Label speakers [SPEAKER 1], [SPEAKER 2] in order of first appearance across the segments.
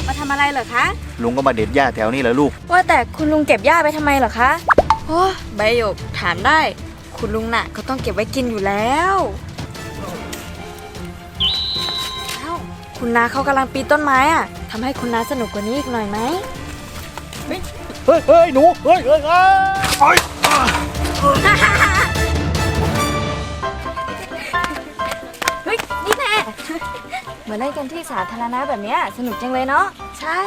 [SPEAKER 1] มาทำอะไรเหรอคะ
[SPEAKER 2] ลุงก็มาเด็ดหญ้าแถวนี้แหละลูก
[SPEAKER 1] ว่าแต่คุณลุงเก็บหญ้าไปทำไมเหรอคะโอ้ใบหยกถามได้คุณลุงน่ะเขาต้องเก็บไว้กินอยู่แล้วเอ้าคุณน้าเขากำลังปีนต้นไม้อ่ะทำให้คุณน้าสนุกกว่านี้อีกหน่อยไหม
[SPEAKER 2] เฮ้ยหนูเฮ้ยเฮ้ย
[SPEAKER 1] เฮ้ยนี่แน่เหมือนเล่นกันที่สาธารณะแบบนี้สนุกจังเลยเนาะใช่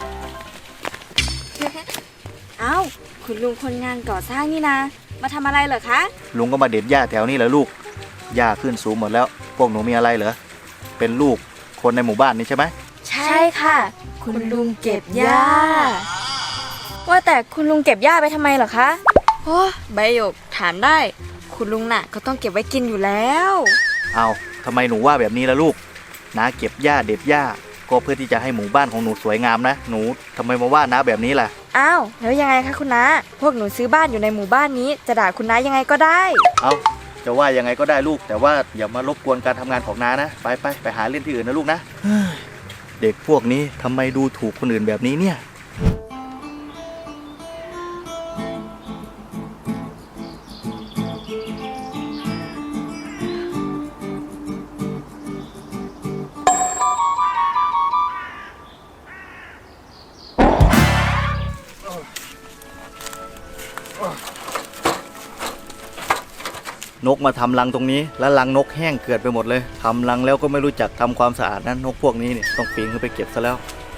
[SPEAKER 1] เอ้าคุณลุงคนงานก่อสร้างนี่นะมาทำอะไรเหรอคะ
[SPEAKER 2] ลุงก็มาเด็ดหญ้าแถวนี้แหละลูกหญ้าขึ้นสูงหมดแล้วพวกหนูมีอะไรเหรอเป็นลูกคนในหมู่บ้านนี้ใช่ไหม
[SPEAKER 1] ใช่ค่ะคุณลุงเก็บหญ้าว่าแต่คุณลุงเก็บหญ้าไปทำไมเหรอคะโอ้ใบหยกถามได้คุณลุงน่ะเขาต้องเก็บไว้กินอยู่แล้ว
[SPEAKER 2] เอาทำไมหนูว่าแบบนี้ล่ะลูกน้าเก็บหญ้าเด็ดหญ้าก็เพื่อที่จะให้หมู่บ้านของหนูสวยงามนะหนูทำไมมาว่าน้าแบบนี้ล่ะ
[SPEAKER 1] อ้าวแล้วยังไงคะคุณน้าพวกหนูซื้อบ้านอยู่ในหมู่บ้านนี้จะด่าคุณน้ายังไงก็ได้
[SPEAKER 2] เอาจะว่ายังไงก็ได้ลูกแต่ว่าอย่ามารบกวนการทำงานของน้านะไปหาเล่นที่อื่นนะลูกนะเด็กพวกนี้ทำไมดูถูกคนอื่นแบบนี้เนี่ยนกมาทำรังตรงนี้แล้วรังนกแห้งเกิดไปหมดเลยทำรังแล้วก็ไม่รู้จักทำความสะอาดนะนกพวกนี้เนี่ยต้องปีนขึ้นไปเก็บซะแล้ว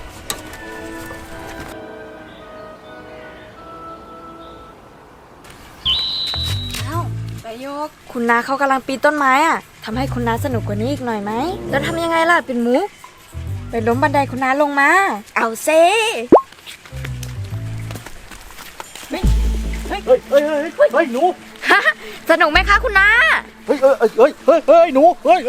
[SPEAKER 1] อ้าวใบหยกคุณน้าเขากำลังปีนต้นไม้อ่ะทำให้คุณน้าสนุกกว่านี้อีกหน่อยไหมแล้วทำยังไงล่ะเป็นมุกไปล้มบันไดคุณน้าลงมาเอาเซ่
[SPEAKER 2] เฮ้ยหนู
[SPEAKER 1] สนุกไหมคะคุณน้า
[SPEAKER 2] เฮ้ยหนูเฮ้ย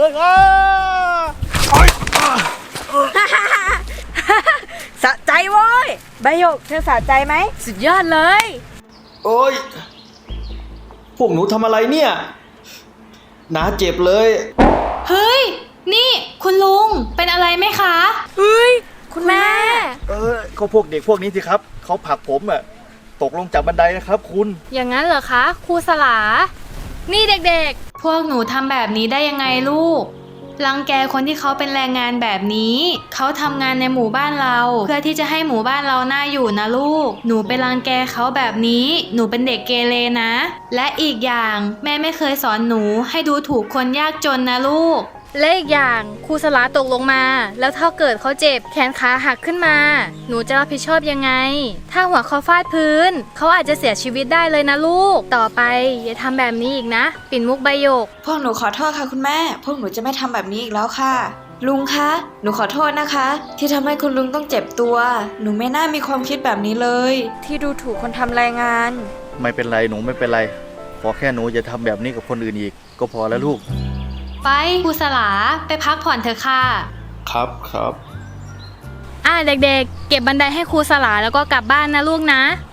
[SPEAKER 1] สะใจโว้ยใบหยกเธอสะใจไหมสุดยอดเลย
[SPEAKER 3] โอ้ยพวกหนูทำอะไรเนี่ยน้าเจ็บเลย
[SPEAKER 4] เฮ้ยนี่คุณลุงเป็นอะไรไหมคะ
[SPEAKER 1] เฮ้ยคุณแม่
[SPEAKER 2] เขาพวกเด็กพวกนี้สิครับเขาผลักผมอะตกลงจากบันไดนะครับคุณ
[SPEAKER 4] อย่างนั้นเหรอคะครูสลานี่เด็กๆพวกหนูทำแบบนี้ได้ยังไงลูกรังแกคนที่เขาเป็นแรงงานแบบนี้เขาทำงานในหมู่บ้านเราเพื่อที่จะให้หมู่บ้านเราน่าอยู่นะลูกหนูไปรังแกเขาแบบนี้หนูเป็นเด็กเกเรนะและอีกอย่างแม่ไม่เคยสอนหนูให้ดูถูกคนยากจนนะลูกและอีกอย่างครูสลาตกลงมาแล้วถ้าเกิดเขาเจ็บแขนขาหักขึ้นมาหนูจะรับผิดชอบยังไงถ้าหัวเขาฟาดพื้นเขาอาจจะเสียชีวิตได้เลยนะลูกต่อไปอย่าทำแบบนี้อีกนะปิ่นมุกใบหยก
[SPEAKER 1] พวกหนูขอโทษค่ะคุณแม่พวกหนูจะไม่ทำแบบนี้อีกแล้วค่ะลุงคะหนูขอโทษนะคะที่ทำให้คุณลุงต้องเจ็บตัวหนูไม่น่ามีความคิดแบบนี้เลยที่ดูถูกคนทำแรงงาน
[SPEAKER 2] ไม่เป็นไรหนูไม่เป็นไรขอแค่หนูอย่าทำแบบนี้กับคนอื่นอีกก็พอแล้วลูก
[SPEAKER 4] ไปครูสลาไปพักผ่อนเถอะค่ะ
[SPEAKER 3] ครับ
[SPEAKER 4] เด็กๆเก็บบันไดให้ครูสลาแล้วก็กลับบ้านนะลูกนะ